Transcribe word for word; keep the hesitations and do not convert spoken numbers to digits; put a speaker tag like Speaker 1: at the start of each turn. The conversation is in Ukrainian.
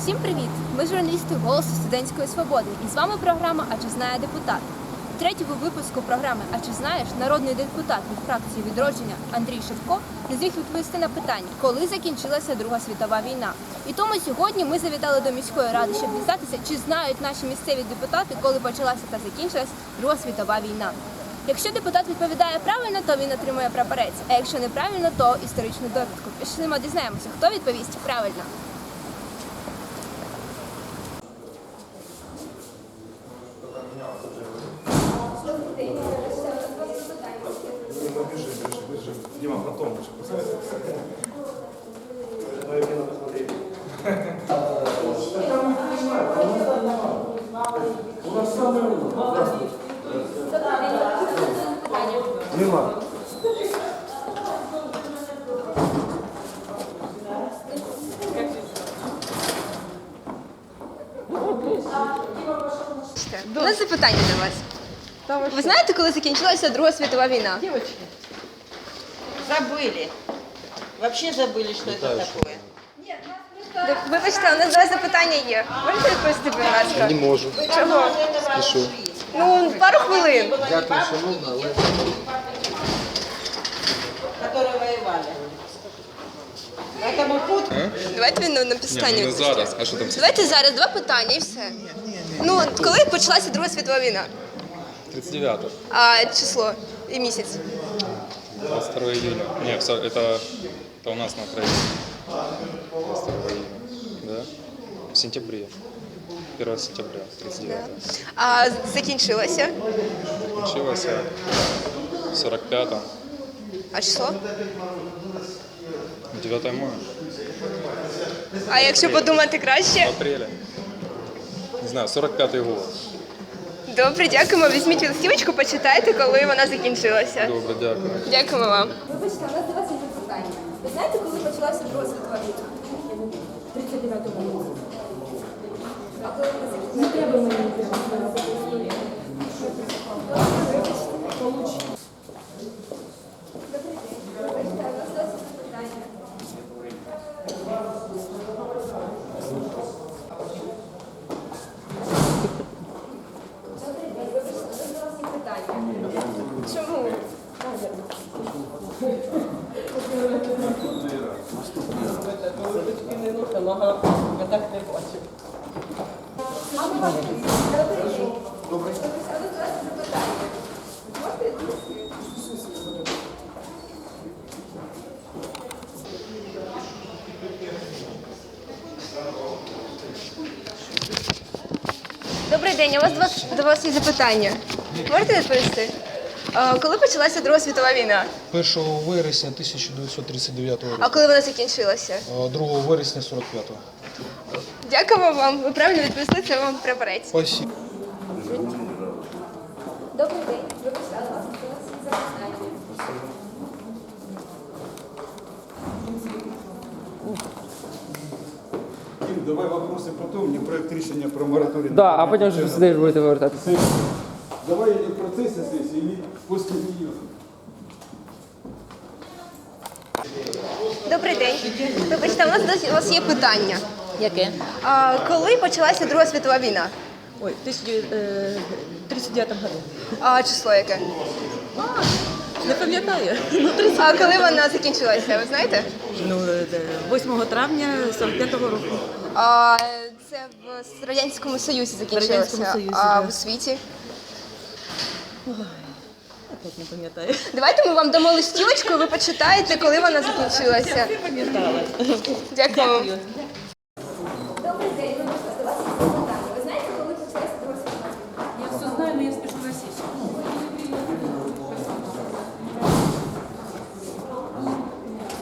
Speaker 1: Всім привіт! Ми журналісти «Голосу студентської свободи» і з вами програма «А чи знає депутат?». У третьому випуску програми «А чи знаєш» народний депутат від фракції «Відродження» Андрій Шевко не зміг відповісти на питання, коли закінчилася Друга світова війна. І тому сьогодні ми завітали до міської ради, щоб дізнатися, чи знають наші місцеві депутати, коли почалася та закінчилась Друга світова війна. Якщо депутат відповідає правильно, то він отримує прапорець, а якщо неправильно, то історичну довідку. Пішли, ми дізнаємося, хто відповість правильно.
Speaker 2: Дима, потом лучше посмотри. У нас самый умный. Здравствуйте. Дима.
Speaker 1: У нас запитання до вас. Ви знаєте, коли закінчилася Друга світова війна?
Speaker 3: Девочки, забыли. Вообще забыли, что это такое.
Speaker 1: Так, вибачте, у нас два запитання є. Можете відповісти, будь ласка?
Speaker 4: Не можу.
Speaker 1: Чого?
Speaker 4: Спішу.
Speaker 1: Ну, пару хвилин.
Speaker 4: Дякую, шановна, але
Speaker 3: Которые воевали. Поэтому тут
Speaker 1: Давайте він на питання.
Speaker 5: Не зараз, а що там?
Speaker 1: Давайте зараз два питання і все. Ну, коли почалася Друга світова війна?
Speaker 5: тридцать девятое,
Speaker 1: А число і місяць?
Speaker 5: двадцать второе июля. Не, все, это, это у нас на Украине. двадцать второе июля, да? В сентябре. первое сентября, тридцать девятое.
Speaker 1: А закінчилася?
Speaker 5: Случилось в сорок пятом,
Speaker 1: А число?
Speaker 5: девятое мая,
Speaker 1: А якщо подумати краще?
Speaker 5: в апреле. Не знаю, сорок пятый год.
Speaker 1: Добре, дякуємо. Візьміть листівочку, почитайте, коли вона закінчилася.
Speaker 5: Добре, дякую.
Speaker 1: Дякуємо вам. Вибачте, у нас до вас є запитання. Ви знаєте, коли почалася Друга світова війна? тридцять дев'ятому році. А коли вона закінчилася? Не треба мені. Чому?
Speaker 3: я так не бачу.
Speaker 1: Добрий день, у вас до вас, до вас є запитання. Можете відповісти? А, коли почалася Друга світова війна?
Speaker 4: першого вересня тисяча дев'ятсот тридцять дев'ятого року,
Speaker 1: А коли вона закінчилася?
Speaker 4: а другого вересня сорок п'ятого.
Speaker 1: Дякуємо вам. Ви правильно відповіли, це вам прапорець.
Speaker 4: Спасибо.
Speaker 1: Добрий день. Вибачте, а у вас до вас є запитання.
Speaker 2: Дим, давай вопросы потом, не проект рішення про мораторій.
Speaker 6: Да, а потім вже сюди будете повертатися.
Speaker 2: Давай или в процессе сессии, или после нее.
Speaker 1: Добрий день. Вибачте, у нас до у вас є питання.
Speaker 7: Яке?
Speaker 1: А, коли почалася Друга світова війна?
Speaker 7: Ой, в тисяча тридцять дев'ятому году.
Speaker 1: А число яке?
Speaker 7: Не пам'ятаю. Ну, тридцять.
Speaker 1: А коли вона закінчилася, ви знаєте?
Speaker 7: Ну, е, восьмого травня сорок п'ятого року.
Speaker 1: А, це в Радянському Союзі закінчилося.
Speaker 7: Радянському Союзі,
Speaker 1: а
Speaker 7: да.
Speaker 1: в світі?
Speaker 7: Опять не пам'ятаю.
Speaker 1: Давайте ми вам дамо листівочку, і ви почитаєте, коли вона закінчилася.
Speaker 7: Не пам'ятала.
Speaker 1: Дякую.
Speaker 7: Дякую.